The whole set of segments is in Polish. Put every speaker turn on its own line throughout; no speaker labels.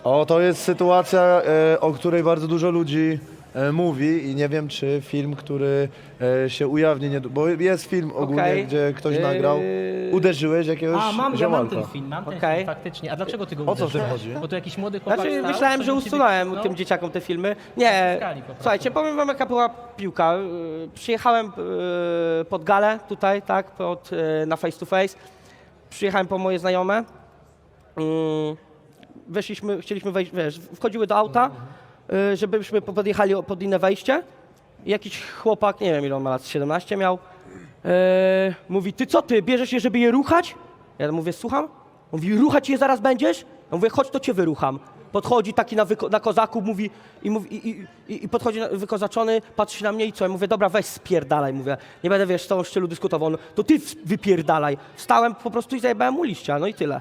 O, to jest sytuacja, o której bardzo dużo ludzi mówi i nie wiem, czy film, który się ujawni, bo jest film ogólnie,
Okej.
gdzie ktoś nagrał, uderzyłeś jakiegoś
A, mam
ziomalka.
ten film, mam ten
Okej.
film, faktycznie. A dlaczego ty go
O co w tym
uderzyłeś?
chodzi?
Bo to jakiś młody chłopak
Znaczy,
stał,
myślałem,
coś
że
do ciebie
usunąłem
krzyknął.
tym dzieciakom te filmy. Nie,
Ściskali po prostu.
słuchajcie, powiem wam jaka była piłka. Przyjechałem pod galę tutaj, tak, na face to face. Przyjechałem po moje znajome. Chcieliśmy wejść, wiesz, wchodziły do auta, żebyśmy podjechali pod inne wejście. I jakiś chłopak, nie wiem ile on ma lat, 17 miał, mówi, ty co ty, bierzesz je, żeby je ruchać? Ja mówię, słucham? On mówi, ruchać je zaraz będziesz? Ja mówię, chodź, to cię wyrucham. Podchodzi taki na kozaku, mówi, i podchodzi wykozaczony, patrzy na mnie i co? Ja mówię, dobra, weź spierdalaj, mówię, nie będę, wiesz, z tą szczylu dyskutował, no, to ty wypierdalaj. Wstałem po prostu i zajebałem mu liścia, no i tyle.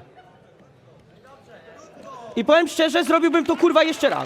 I powiem szczerze, zrobiłbym to kurwa jeszcze raz.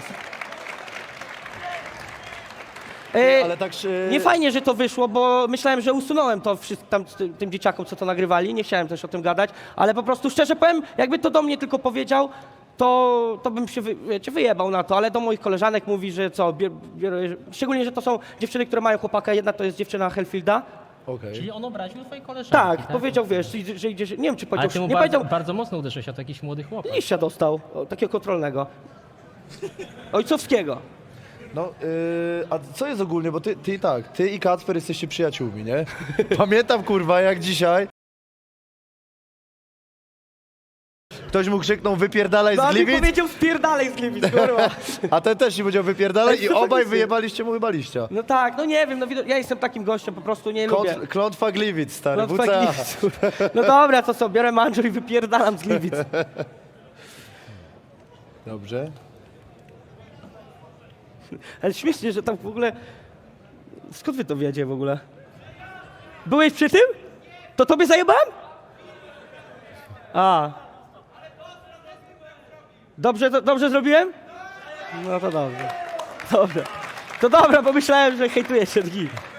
Ale tak
Nie fajnie, że to wyszło, bo myślałem, że usunąłem to tym dzieciakom, co to nagrywali. Nie chciałem też o tym gadać, ale po prostu szczerze powiem, jakby to do mnie tylko powiedział, to bym się wyjebał na to, ale do moich koleżanek mówi, że co, szczególnie, że to są dziewczyny, które mają chłopaka, jedna to jest dziewczyna Hellfielda.
Okej.
Czyli on obraził twojej koleżanki,
Tak, powiedział, wiesz, że idzie, nie wiem czy
Ale
powiedział,
ty mu
nie
bardzo,
powiedział,
bardzo mocno uderzyłeś, a to jakiś młody chłopak.
liścia dostał, takiego kontrolnego. Ojcowskiego.
No, a co jest ogólnie, bo ty i Kacper jesteście przyjaciółmi, nie? Pamiętam, kurwa, jak dzisiaj ktoś mu krzyknął wypierdalaj z
No, a mi
Gliwic,
powiedział spierdalej z Gliwic, kurwa.
a ten też ci powiedział wypierdalaj i
Tak,
obaj
faktycznie.
wyjebaliście mu chyba liścia.
No tak, no nie wiem, no ja jestem takim gościem, po prostu nie lubię.
Klątwa Gliwic, stary,
Klątwa
WCA.
Gliwic. No dobra, to co, biorę manżel i wypierdalam z Gliwic.
Dobrze.
Ale śmiesznie, że tam w ogóle... Skąd wy to wiecie w ogóle? Byłeś przy tym? To tobie zajebałem? A. Dobrze zrobiłem? No to dobrze. Dobra. To dobra, bo myślałem, że hejtujesz się.